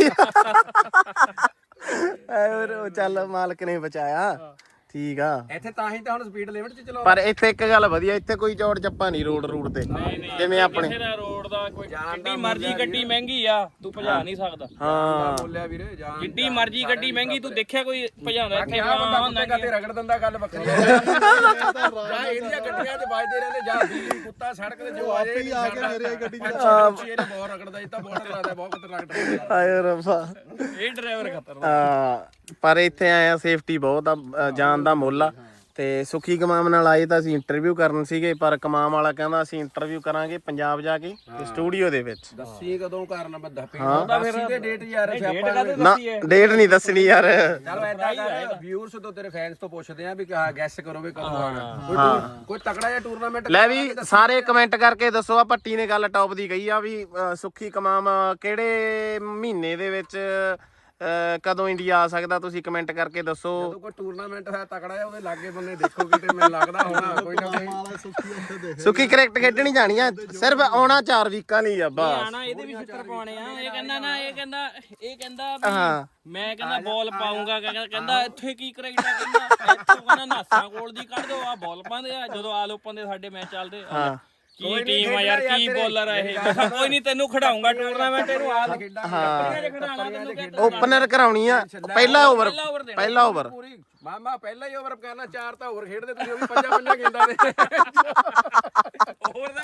ਐ ਉਹ ਚੱਲ ਮਾਲਕ ਨੇ ਬਚਾਇਆ ਠੀਕ ਆ
ਇੱਥੇ ਤਾਂ ਹੀ ਤਾਂ ਹੁਣ ਸਪੀਡ ਲਿਮਟ 'ਚ ਚਲਾਉਂਦੇ
ਪਰ ਇੱਥੇ ਇੱਕ ਗੱਲ ਵਧੀਆ ਇੱਥੇ ਕੋਈ ਚੌੜ ਚੱਪਾ ਨਹੀਂ ਰੋਡ ਰੂਟ ਤੇ ਜਿਵੇਂ ਆਪਣੇ
ਕਿਸੇ ਦਾ ਰੋਡ ਦਾ ਕੋਈ ਜਿੱਡੀ ਮਰਜ਼ੀ ਗੱਡੀ ਮਹਿੰਗੀ ਆ ਤੂੰ ਭਜਾ ਨਹੀਂ ਸਕਦਾ
ਹਾਂ
ਬੋਲਿਆ ਵੀਰੇ ਜਾਨ
ਜਿੱਡੀ ਮਰਜ਼ੀ ਗੱਡੀ ਮਹਿੰਗੀ ਤੂੰ ਦੇਖਿਆ ਕੋਈ ਭਜਾਉਂਦਾ ਇੱਥੇ
ਆ ਬੰਦਾ
ਹਾਂ
ਕੁੱਤੇ ਕਾਤੇ ਰਗੜ ਦਿੰਦਾ ਗੱਲ ਵੱਖਰੀ ਹੈ ਜਾਂ ਇਹਦੀਆਂ ਗੱਡੀਆਂ 'ਚ ਵੱਜਦੇ ਰਹਿੰਦੇ ਜਾਂ ਬਿੱਲੀ ਕੁੱਤਾ ਸੜਕ ਤੇ ਜੋ ਆ ਜਾਏ
ਹੀ ਆ ਕੇ ਮੇਰੇ ਗੱਡੀ ਚ
ਇਹਨੇ ਬਹੁਤ ਰਗੜਦਾ ਇਹ ਤਾਂ ਬਹੁਤ ਰਗੜਦਾ ਬਹੁਤ ਖਤਰਨਾਕ ਡਰਾਈਵਰ
ਆਏ ਰੱਬਾ
ਇਹ ਡਰਾਈਵਰ ਖਤਰਨਾਕ
ਆ ਪਰ ਇੱਥੇ ਆਇਆ ਸੇਫਟੀ ਬਹੁਤ ਆ ਅ, ਜਾਨ ਦਾ ਮੁੱਲ ਆ ਤੇ ਸੁਖੀ ਕਮਾਮ ਨਾਲ ਆਏ ਤਾਂ ਅਸੀਂ ਇੰਟਰਵਿਊ ਕਰਨ ਸੀਗੇ ਪਰ ਕਮਾਮ ਵਾਲਾ ਕਹਿੰਦਾ ਅਸੀਂ ਇੰਟਰਵਿਊ ਕਰਾਂਗੇ ਪੰਜਾਬ ਜਾ ਕੇ ਸਟੂਡੀਓ ਦੇ ਵਿੱਚ
ਦੱਸੀ ਕਦੋਂ ਕਰਨਾ ਮੈਂ ਦੱਪੀ ਉਹਦਾ ਫਿਰ ਦੇ ਡੇਟ ਯਾਰ ਸਿਆਪਾ
ਨਾ ਡੇਟ ਨਹੀਂ ਦੱਸਣੀ ਯਾਰ
ਚਲ ਐਦਾਂ ਕਰ ਵਿਊਅਰਸ ਤੋਂ ਤੇਰੇ ਫੈਨਸ ਤੋਂ ਪੁੱਛਦੇ ਆ ਵੀ ਕਹਾ ਗੈਸ ਕਰੋ ਵੀ ਕਦੋਂ ਆਣਾ ਕੋਈ ਟੂਰ- ਕੋਈ ਤਕੜਾ ਜਿਹਾ ਟੂਰਨਾਮੈਂਟ
ਲੈ ਵੀ ਸਾਰੇ ਕਮੈਂਟ ਕਰਕੇ ਦੱਸੋ ਆ ਭੱਟੀ ਨੇ ਗੱਲ ਟੌਪ ਦੀ ਕਹੀ ਆ ਵੀ ਅ, ਸੁੱਖੀ ਕਮਾਮ ਕਿਹੜੇ ਮਹੀਨੇ ਦੇ ਵਿੱਚ ਅ, ਕਦੋਂ ਇੰਡੀਆ ਆ ਸਕਦਾ ਤੁਸੀਂ ਕਮੈਂਟ ਕਰਕੇ ਦੱਸੋ
ਜਦੋਂ ਕੋਈ ਟੂਰਨਾਮੈਂਟ ਹੈ ਤਕੜਾ ਹੈ ਉਹਦੇ ਲਾਗੇ ਬੰਨੇ ਦੇਖੋ ਕਿਤੇ ਮੈਨੂੰ ਲੱਗਦਾ ਹੋਣਾ ਕੋਈ ਨਾ ਕੋਈ
ਵਾਲਾ ਸੁੱਕੀ ਉੱਥੇ ਦੇਖ
ਸੁੱਖੀ ਕ੍ਰਿਕਟ ਖੇਡਣੀ ਜਾਣੀ ਆ ਸਿਰਫ ਆਉਣਾ ਚਾਰ ਵੀਕਾਂ ਲਈ ਆ ਬਸ
ਆਣਾ ਇਹਦੇ ਵੀ ਛਿੱਤਰ ਪਾਉਣੇ ਆ ਇਹ ਕਹਿੰਦਾ ਨਾ ਇਹ ਕਹਿੰਦਾ ਇਹ ਕਹਿੰਦਾ ਵੀ
ਹਾਂ
ਮੈਂ ਕਹਿੰਦਾ ਬਾਲ ਪਾਉਂਗਾ ਕਹਿੰਦਾ ਕਹਿੰਦਾ ਇੱਥੇ ਕੀ ਕਰਾਈਦਾ ਕਹਿੰਦਾ ਇੱਥੋਂ ਕਹਿੰਦਾ ਨਾਸਾਂ ਕੋਲ ਦੀ ਕੱਢ ਦੋ ਆ ਬਾਲ ਪਾਉਂਦੇ ਆ ਜਦੋਂ ਆਲ ਓਪਨ ਦੇ ਸਾਡੇ ਮੈਚ ਚੱਲਦੇ ਆ ਕੀ ਟੀਮ ਆ ਯਾਰ ਕੀ ਬੋਲਰ ਆ ਇਹ ਮੈਂ ਕਿਹਾ ਕੋਈ ਨਹੀਂ ਤੈਨੂੰ ਖਿਡਾਉਂਗਾ ਟੂਰਨਾਮੈਂਟ ਇਹਨੂੰ ਆਲ ਕੰਪਨੀਆਂ 'ਚ ਖਿਡਾਉਣਾ ਤੈਨੂੰ ਕਹਿੰਦਾ
ਓਪਨਰ ਕਰਾਉਣੀ ਆ ਪਹਿਲਾ ਓਵਰ ਪਹਿਲਾ ਓਵਰ
ਪੂਰੀ ਮਾਮਾ ਪਹਿਲਾ ਹੀ ਓਵਰ ਕਰਨਾ ਚਾਰ ਤਾਂ ਹੋਰ ਖੇਡਦੇ ਤੁਸੀਂ ਉਹ ਵੀ ਪੰਜਾਂ ਪੰਜਾਂ ਗੇਂਦਾਂ ਦੇ
ਹੋਰ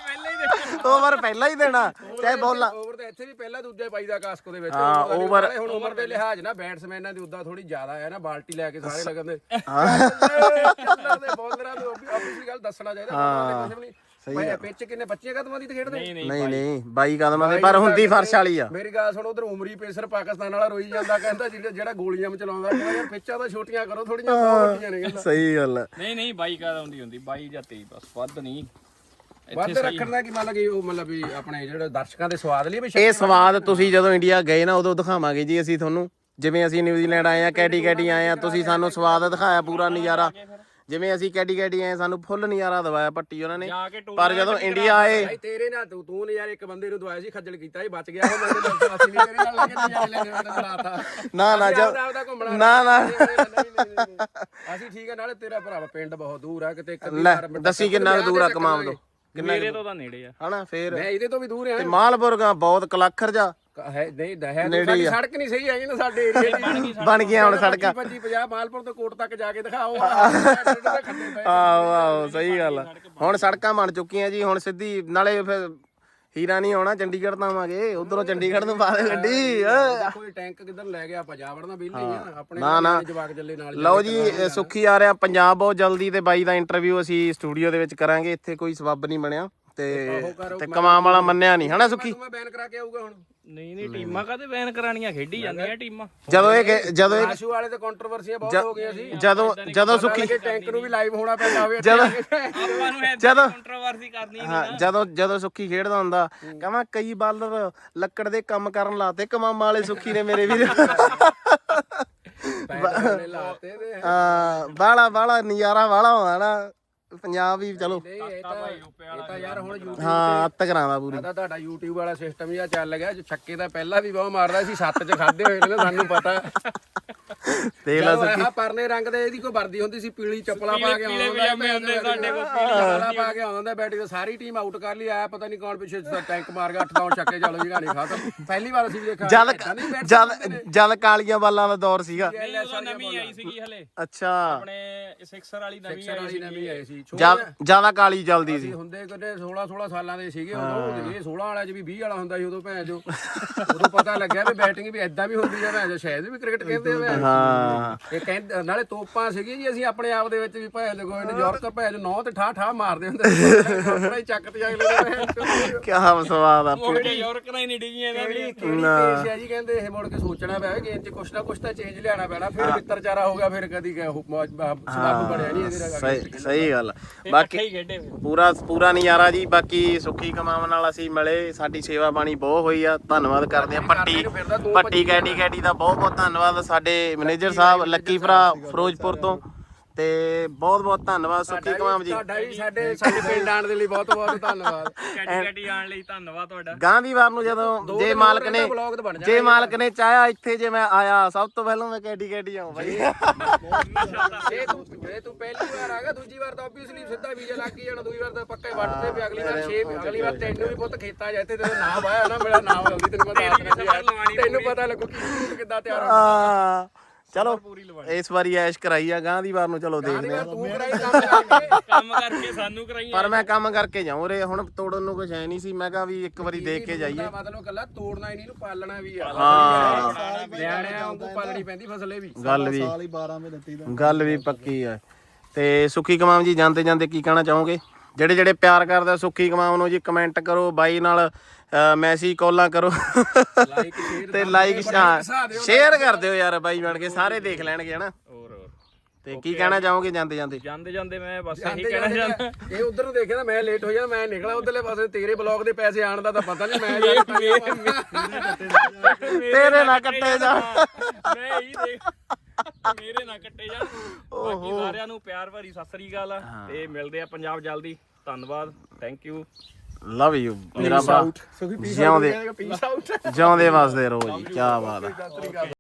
ਦੇਣਾ ਚਾਹੇ ਬੋਲਾਂ
ਓਵਰ ਤੇ ਇੱਥੇ ਵੀ ਪਹਿਲਾਂ ਦੂਜੇ ਪਾਈ ਦਾ ਕਾਸਕੋ ਦੇ ਵਿੱਚ
ਹਾਂ, over-
ਹੁਣ ਉਮਰ ਦੇ ਲਿਹਾਜ਼ ਨਾ ਬੈਟਸਮੈਨਾਂ ਦੀ ਉਦਾਂ ਥੋੜੀ ਜ਼ਿਆਦਾ ਹੈ ਨਾ ਬਾਲਟੀ ਲੈ ਕੇ ਸਾਰੇ ਲੱਗਦੇ ਬੋਲਰਾਂ ਨੂੰ ਆਬਵੀਅਸਲੀ ਗੱਲ ਦੱਸਣਾ ਚਾਹੀਦਾ ਕੁਝ ਵੀ ਨਹੀਂ ਭਾਈ ਪਿੱਚ ਕਿੰਨੇ ਬੱਚੇ ਕਦਮਾਂ ਦੀ ਤੇ ਖੇਡਦੇ
ਨਹੀਂ ਨਹੀਂ
ਨਹੀਂ ਨਹੀਂ ਬਾਈ ਕਦਮਾਂ ਦੇ ਪਰ ਹੁੰਦੀ ਫਰਸ਼ ਵਾਲੀ ਆ
ਮੇਰੀ ਗੱਲ ਸੁਣ ਉਧਰ ਉਮਰੀ ਪੇਸਰ ਪਾਕਿਸਤਾਨ ਵਾਲਾ ਰੋਈ ਜਾਂਦਾ ਕਹਿੰਦਾ ਜਿਹੜਾ ਜਿਹੜਾ ਗੋਲੀਆਂ ਚਲਾਉਂਦਾ ਕਹਿੰਦਾ ਯਾਰ ਪਿੱਚਾਂ ਤਾਂ ਛੋਟੀਆਂ ਕਰੋ ਥੋੜੀਆਂ ਬਹੁਤ ਵੱਡੀਆਂ ਨੇ ਕਹਿੰਦਾ
ਸਹੀ ਗੱਲ ਆ।
ਨਹੀਂ ਨਹੀਂ ਬਾਈ ਕਾ ਆਉਂਦੀ ਹੁੰਦੀ ਬਾਈ ਜਾਂ ਤੇਈ ਬਸ ਵੱਧ ਨਹੀਂ
ਵੱਧ ਰੱਖਣ ਦਾ ਕੀ ਮਤਲਬ ਕਿ ਉਹ ਮਤਲਬ ਵੀ ਆਪਣੇ ਜਿਹੜੇ ਦਰਸ਼ਕਾਂ ਦੇ ਸਵਾਦ ਲਈ ਵੀ
ਇਹ ਸਵਾਦ ਤੁਸੀਂ ਜਦੋਂ ਇੰਡੀਆ ਗਏ ਨਾ ਉਦੋਂ ਦਿਖਾਵਾਂਗੇ ਜੀ ਅਸੀਂ ਤੁਹਾਨੂੰ ਜਿਵੇਂ ਅਸੀਂ ਨਿਊਜ਼ੀਲੈਂਡ ਆਏ ਆ ਕੈਟੀ ਕੈਟੀ ਆਏ ਆ ਤੁਸੀਂ ਸਾਨੂੰ ਸਵਾਦ ਦਿਖਾਇਆ ਪੂਰਾ ਨਜ਼ਾਰਾ ਜਿਵੇਂ ਅਸੀਂ ਕੈਟੀ ਕੈਟੀ ਆਏ ਸਾਨੂੰ ਫੁੱਲ ਨਜ਼ਾਰਾ ਦਵਾਇਆ ਪੱਟੀ ਉਹਨਾਂ ਨੇ
ਜਾ ਕੇ ਟੂਰ
ਪਰ ਜਦੋਂ ਇੰਡੀਆ ਆਏ
ਭਾਈ ਤੇਰੇ ਨਾਲ ਤੂੰ ਤੂੰ ਨੇ ਯਾਰ ਇੱਕ ਬੰਦੇ ਨੂੰ ਦਵਾਇਆ ਸੀ ਖੱਜਲ ਕੀਤਾ ਸੀ ਬਚ ਗਿਆ ਉਹ ਮੇਰੇ ਨਾਲ ਅਸੀਂ ਨਹੀਂ ਤੇਰੇ ਨਾਲ ਲੱਗੇ ਨਜ਼ਾਰੇ ਲੈਣੇ ਉਹਨੇ ਬੁਲਾਤਾ
ਨਾ ਨਾ
ਆਪਦਾ
ਜਦ
ਆਪਦਾ ਘੁੰਮਣਾ
ਨਾ ਨਾ
ਨਹੀਂ, ਨਹੀਂ, ਨਹੀਂ, ਨਹੀਂ। ਅਸੀਂ ਠੀਕ ਆ ਨਾਲੇ ਤੇਰਾ ਭਰਾ ਪਿੰਡ ਬਹੁਤ ਦੂਰ ਆ ਕਿਤੇ ਕਦੀ
ਲੈ
ਵਾਰ
ਦੱਸੀ ਕਿੰਨਾ ਕੁ ਦੂਰ ਆ ਕਮਾਮ ਤੋਂ
ਮੇਰੇ ਤੋਂ ਤਾਂ ਨੇੜੇ ਆ
ਹਨਾ ਫੇਰ
ਮੈਂ ਇਹਦੇ ਤੋਂ ਵੀ ਦੂਰ ਆ
ਤੇ ਮਾਲਪੁਰਗਾ ਬਹੁਤ ਕਲਾਖਰ ਜਾ
ਹੈ ਨਹੀਂ ਹੈ ਤਾਂ ਸਾਡੀ ਸੜਕ ਨਹੀਂ ਸਹੀ ਹੈਗੀ ਨਾ ਸਾਡੇ ਏਰੀਆ ਦੀ
ਬਣ ਗਈਆਂ ਹੁਣ ਸੜਕਾਂ
ਪੱਚੀ ਪੰਜਾਹ ਮਾਲਪੁਰ ਤੋਂ ਕੋਟ ਤੱਕ ਜਾ ਕੇ ਦਿਖਾਓ
ਆਹੋ ਆਹੋ ਸਹੀ ਗੱਲ ਆ ਹੁਣ ਸੜਕਾਂ ਬਣ ਚੁੱਕੀਆਂ ਜੀ ਹੁਣ ਸਿੱਧੀ ਨਾਲੇ ਫਿਰ ਹੀਰਾ ਨਹੀਂ ਆਉਣਾ ਚੰਡੀਗੜ੍ਹ ਤੋਂ ਆਵਾਂਗੇ ਉਧਰੋਂ ਚੰਡੀਗੜ੍ਹ ਤੋਂ ਪਾ ਦੇ ਗੱਡੀ
ਕੋਈ ਟੈਂਕ ਕਿੱਧਰ ਲੈ ਗਿਆ ਆਪਾਂ ਜਾ ਵੜਨਾ ਬਿੱਲ ਨਹੀਂ ਆ ਆਪਣੇ
ਨਾ ਨਾ
ਜਵਾਕ ਚੱਲੇ ਨਾਲ
ਲਓ ਜੀ ਸੁੱਖੀ ਆ ਰਿਹਾ ਪੰਜਾਬ ਬਹੁਤ ਜਲਦੀ ਤੇ ਬਾਈ ਦਾ ਇੰਟਰਵਿਊ ਅਸੀਂ ਸਟੂਡੀਓ ਦੇ ਵਿੱਚ ਕਰਾਂਗੇ ਇੱਥੇ ਕੋਈ ਸਬੱਬ ਨਹੀਂ ਬਣਿਆ ਤੇ ਤੇ ਕਮਾਮ ਵਾਲਾ ਮੰਨਿਆ ਨਹੀਂ ਹਨਾ ਸੁੱਖੀ
ਮੈਂ ਬੈਨ ਕਰਾ ਕੇ ਆਊਗਾ ਹੁਣ
ਨਹੀਂ ਨਹੀਂ ਟੀਮਾਂ ਕਾਹਦੇ ਬੈਨ ਕਰਾਣੀਆਂ ਖੇਡੀ ਜਾਂਦੀਆਂ ਟੀਮਾਂ
ਜਦੋਂ ਇਹ ਗੇ- ਜਦੋਂ ਇਹ
ਆਸ਼ੂ ਵਾਲੇ ਤੇ ਕੰਟਰੋਵਰਸੀਆਂ ਬਹੁਤ ਹੋ ਗਈਆਂ ਸੀ
ਜਦੋਂ ਜਦੋਂ ਸੁੱਖੀ
ਕਿ ਟੈਂਕ ਨੂੰ ਵੀ ਲਾਈਵ ਹੋਣਾ ਪੈਂਦਾ ਹੋਵੇ
ਜਦੋਂ
ਆਪਾਂ ਨੂੰ
ਜਦੋਂ
ਕੰਟਰੋਵਰਸੀ ਕਰਨੀ ਨਹੀਂ
ਹਾਂ ਜਦੋਂ ਜਦੋਂ ਸੁੱਖੀ ਖੇਡਦਾ ਹੁੰਦਾ ਕਹਿੰਦਾ ਕਈ ਬਾਲਰ ਲੱਕੜ ਦੇ ਕੰਮ ਕਰਨ ਲਾਤੇ ਕਮਾਮਾ ਵਾਲੇ ਸੁੱਖੀ ਨੇ ਮੇਰੇ ਵੀਰ
ਪੈਸੇ ਲਾਤੇ ਤੇ
ਹਾਂ ਬਾਲਾ ਬਾਲਾ ਨਜ਼ਾਰਾ ਬਾਲਾ ਹੁੰਦਾ ਨਾ ਪੰਜਾਬ ਵੀ ਚਲੋ
ਨਹੀਂ ਇਹ ਤਾਂ ਇਹ ਤਾਂ ਯਾਰ ਹੁਣ YouTube
ਹਾਂ ਅੱਤ ਕਰਾਵਾ ਪੂਰੀ
ਤਾਂ ਤੁਹਾਡਾ YouTube ਵਾਲਾ ਸਿਸਟਮ ਹੀ ਆ ਚੱਲ ਗਿਆ ਜੋ ਛੱਕੇ ਤਾਂ ਪਹਿਲਾਂ ਵੀ ਬਹੁਤ ਮਾਰਦਾ ਸੀ ਸੱਤ ਚ ਖਾਦੇ ਹੋਏ ਨੇ ਸਾਨੂੰ ਪਤਾ
ਦੇਖ ਲੈ
ਜਦੋਂ ਆਹ ਪਰਲੇ ਰੰਗ ਦੇ ਇਹਦੀ ਕੋਈ ਵਰਦੀ ਹੁੰਦੀ ਸੀ ਪੀਲੀ ਚੱਪਲਾਂ ਪਾ ਕੇ ਆਉਂਦਾ ਹੁੰਦਾ ਸਾਡੇ ਕੋਲ ਪੀਲੀ ਚੱਪਲਾਂ ਪਾ ਕੇ ਆਉਂਦਾ ਬੈਟਿੰਗ ਤੇ ਸਾਰੀ ਟੀਮ ਆਊਟ ਕਰ ਲਈ ਆਇਆ ਪਤਾ ਨਹੀਂ ਕੌਣ ਪਿੱਛੇ ਟੈਂਕ ਮਾਰ ਗਿਆ ਅੱਠ ਨੌ ਛੱਕੇ ਚਲੋ ਜੀ ਗਾਣੀ ਖਾਤਾ ਪਹਿਲੀ ਵਾਰ ਅਸੀਂ ਦੇਖਿਆ
ਜਦ ਜਦ ਜਦ ਕਾਲੀਆਂ ਬਾਲਾਂ ਦਾ ਦੌਰ ਸੀਗਾ
ਨਹੀਂ ਉਦੋਂ ਨਵੀਂ ਆਈ ਸੀਗੀ ਹਲੇ
ਅੱਛਾ
ਆਪਣੇ ਸਿਕਸਰ ਵਾਲੀ ਨਵੀਂ ਆਈ
ਵਾਲੀ ਨਵੀਂ ਆਈ ਸੀ
ਜਿਆਦਾ ਕਾਲੀ ਚੱਲਦੀ ਸੀ
ਹੁੰਦੇ ਕਿਤੇ ਸੋਲਾਂ ਸੋਲਾਂ ਸਾਲਾਂ ਦੇ ਸੀਗੇ ਉਦੋਂ ਇਹ ਸੋਲਾਂ ਵਾਲਾ ਚ ਵੀ ਵੀਹ ਵਾਲਾ ਹੁੰਦਾ ਸੀ ਉਦੋਂ ਭੈਣ ਜੋ ਉਦੋਂ ਪਤਾ ਲੱਗਿਆ ਵੀ ਬੈਟਿੰਗ ਵੀ ਐਦਾਂ ਵੀ ਹੁੰਦੀ ਆ ਭੈਣ ਜੋ ਸ਼ਾਇਦ ਵੀ ਕ੍ਰਿਕਟ ਕਹਿੰਦੇ ਆ
ਹਾਂ
ਇਹ ਕਹਿੰਦੇ ਨਾਲੇ ਤੋਪਾਂ ਸੀਗੀਆਂ ਜੀ ਅਸੀਂ ਆਪਣੇ ਆਪ ਦੇ ਵਿੱਚ ਵੀ ਭੈਣ ਜੋ ਕੋਈ ਨਿਊਯਾਰਕ ਭੈਣ ਨੌ ਤੇ ਠਾ ਠਾ ਮਾਰਦੇ ਹੁੰਦੇ ਸੀ ਆਪਣਾ ਹੀ ਚੱਕ ਤੇ ਅਗਲੇ
ਕੀ ਸਵਾਦ ਆ
ਮੁੜ ਕੇ ਯੂਰਕ ਨਾਲ ਹੀ ਨਹੀਂ ਡਿੱਗੀਆਂ ਇਹਨਾਂ ਦੀਆਂ
ਕਿਹੜੀ ਕੇਸ ਆ ਜੀ ਕਹਿੰਦੇ ਇਹ ਮੁੜ ਕੇ ਸੋਚਣਾ ਪਿਆ ਗੇਮ 'ਚ ਕੁਛ ਨਾ ਕੁਛ ਤਾਂ ਚੇਂਜ ਲਿਆਣਾ ਪੈਣਾ ਫਿਰ ਮਿੱਤਰਚਾਰਾ ਹੋ ਗਿਆ ਫਿਰ ਕਦੀ ਸਬੱਬ ਬਣਿਆ ਨਹੀਂ ਇਹਦੇ ਨਾਲ
ਸਹੀ ਸਹੀ ਗੱਲ
ਬਾਕੀ
ਬਾਕੀ
ਹੀ ਖੇਡੇ ਫਿਰ।
ਪੂਰਾ ਪੂਰਾ ਨਜ਼ਾਰਾ ਜੀ ਬਾਕੀ ਸੁੱਖੀ ਕਮਾਉਣ ਨਾਲ ਅਸੀਂ ਮਿਲੇ ਸਾਡੀ ਸੇਵਾ ਬਾਣੀ ਬਹੁਤ ਹੋਈ ਆ ਧੰਨਵਾਦ ਕਰਦੇ ਆ ਪੱਟੀ ਪੱਟੀ ਕੈਡੀ ਕੈਡੀ ਦਾ ਬਹੁਤ ਬਹੁਤ ਧੰਨਵਾਦ ਸਾਡੇ ਮੈਨੇਜਰ ਸਾਹਿਬ ਲੱਕੀ ਭਰਾ ਫਿਰੋਜ਼ਪੁਰ ਤੋਂ ਤੇ ਬਹੁਤ ਬਹੁਤ ਧੰਨਵਾਦ ਸੁੱਖੀ ਕਮਾਮ ਜੀ
ਤੁਹਾਡਾ ਵੀ ਸਾਡੇ ਸਾਡੇ ਪਿੰਡ ਆਉਣ ਦੇ ਲਈ ਬਹੁਤ ਬਹੁਤ ਧੰਨਵਾਦ
ਕੈਟੀ ਕੈਟੀ ਆਉਣ ਲਈ ਧੰਨਵਾਦ ਤੁਹਾਡਾ
ਗਾਂਧੀਵਾਰ ਨੂੰ ਜਦੋਂ ਜੇ ਮਾਲਕ ਨੇ
ਵਲੌਗ ਤਾਂ ਬਣ
ਜੇ ਮਾਲਕ ਨੇ ਚਾਹਿਆ ਇੱਥੇ ਜੇ ਮੈਂ ਆਇਆ ਸਭ ਤੋਂ ਪਹਿਲਾਂ ਮੈਂ ਕੈਡੀ ਕੈਡੀ ਆਉਂ ਬਾਈ
ਜੇ ਤੂੰ ਜੇ ਤੂੰ ਪਹਿਲੀ ਵਾਰ ਆ ਗਿਆ ਦੂਜੀ ਵਾਰ ਤਾਂ ਆਬਵੀਅਸਲੀ ਸਿੱਧਾ ਵੀਜ਼ਾ ਲੱਗ ਹੀ ਜਾਣਾ ਦੂਜੀ ਵਾਰ ਤਾਂ ਪੱਕਾ ਹੀ ਵੱਟ ਤੇ ਵੀ ਅਗਲੀ ਵਾਰ ਛੇ ਅਗਲੀ ਵਾਰ ਤੈਨੂੰ ਵੀ ਪੁੱਤ ਖੇਤਾਂ ਜਾਂਦੇ ਤੇਰਾ ਨਾਮ ਆਇਆ ਨਾ ਮੇਰਾ ਨਾਮ ਜਲਦੀ ਤੈਨੂੰ ਮੈਂ ਦੱਸ ਦਿੰਦਾ ਯਾਰ ਤੈਨੂੰ ਪਤਾ ਲੱਗੂ ਕਿ ਤੂੰ ਕਿੱਦਾਂ ਤਿਆਰ ਹੋ
ਆ ਚਲੋ ਇਸ ਵਾਰੀ ਐਸ਼ ਕਰਾਈ ਆ ਗਾਂ ਦੀ ਵਾਰ ਨੂੰ ਚਲੋ ਦੇਖਦੇ ਆ
ਤੂੰ ਕਰਾਈ ਕੰਮ ਕਰਕੇ
ਕੰਮ ਕਰਕੇ ਸਾਨੂੰ ਕਰਾਈਆਂ
ਪਰ ਮੈਂ ਕੰਮ ਕਰਕੇ ਜਾਉਂ ਰੇ ਹੁਣ ਤੋੜਨ ਨੂੰ ਕੁਝ ਹੈ ਨਹੀਂ ਸੀ ਮੈਂ ਕਿਹਾ ਵੀ ਇੱਕ ਵਾਰੀ ਦੇਖ ਕੇ ਜਾਈਏ
ਮਤਲਬ ਕੱਲਾ ਤੋੜਨਾ ਹੀ ਨਹੀਂ ਇਹਨੂੰ ਪਾਲਣਾ ਵੀ ਆ
ਹਾਂ
ਨਿਆਣਿਆਂ ਵਾਂਗੂ ਪਾਲਣੀ ਪੈਂਦੀ ਫਸਲੇ ਵੀ
ਗੱਲ ਵੀ
ਸਾਲ ਹੀ ਬਾਰਾਂ ਮਹੀਨੇ ਤੀਹ ਦਿਨ
ਗੱਲ ਵੀ ਪੱਕੀ ਆ ਤੇ ਸੁੱਖੀ ਕਮਾਮ ਜੀ ਜਾਂਦੇ ਜਾਂਦੇ ਕੀ ਕਹਿਣਾ ਚਾਹੋਗੇ ਜਿਹੜੇ ਜਿਹੜੇ ਪਿਆਰ ਕਰਦੇ ਸੁੱਖੀ ਕਮਾਮ ਨੂੰ ਜੀ ਕਮੈਂਟ ਕਰੋ ਬਾਈ ਨਾਲ ਮੈਸੇਜ ਕਾਲਾਂ ਕਰੋ ਤੇ ਲਾਈਕ ਸ਼ੇਅਰ ਕਰ ਦਿਓ ਯਾਰ ਬਾਈ ਬਣ ਕੇ ਸਾਰੇ ਦੇਖ ਲੈਣਗੇ ਹਨਾ
ਹੋਰ ਹੋਰ
ਤੇ ਕੀ ਕਹਿਣਾ ਚਾਹੋਗੇ ਜਾਂਦੇ ਜਾਂਦੇ
ਜਾਂਦੇ ਜਾਂਦੇ ਮੈਂ ਬਸ ਇਹੀ ਕਹਿਣਾ ਚਾਹੁੰਦਾ
ਇਹ ਉਧਰ ਨੂੰ ਦੇਖਿਆ ਨਾ ਮੈਂ ਲੇਟ ਹੋ ਜਾਣਾ ਮੈਂ ਨਿਕਲਾ ਉਧਰਲੇ ਪਾਸੇ ਤੇਰੇ ਬਲੌਗ ਦੇ ਪੈਸੇ ਆਣ ਦਾ ਤਾਂ ਪਤਾ ਨਹੀਂ ਮੈਂ
ਤੇਰੇ ਨਾਲ ਕੱਟੇ ਜਾ
ਮੈਂ ਇਹੀ ਦੇਖ ਮੇਰੇ ਨਾਲ ਕੱਟੇ ਜਾਣ ਬਾਕੀ ਸਾਰਿਆਂ ਨੂੰ ਪਿਆਰ ਭਰੀ ਸਤਿ ਸ੍ਰੀ ਅਕਾਲ ਤੇ ਮਿਲਦੇ ਆ ਪੰਜਾਬ ਜਲਦੀ ਧੰਨਵਾਦ ਥੈਂਕ ਯੂ
ਲਵ ਯੂ ਮੇਰਾ ਭਰਾ ਜਿਉਂਦੇ
ਪੀਸ ਆਊਟ
ਜਿਉਂਦੇ ਵਸਦੇ ਰਹੋ ਜੀ ਕੀ ਬਾਤ ਹੈ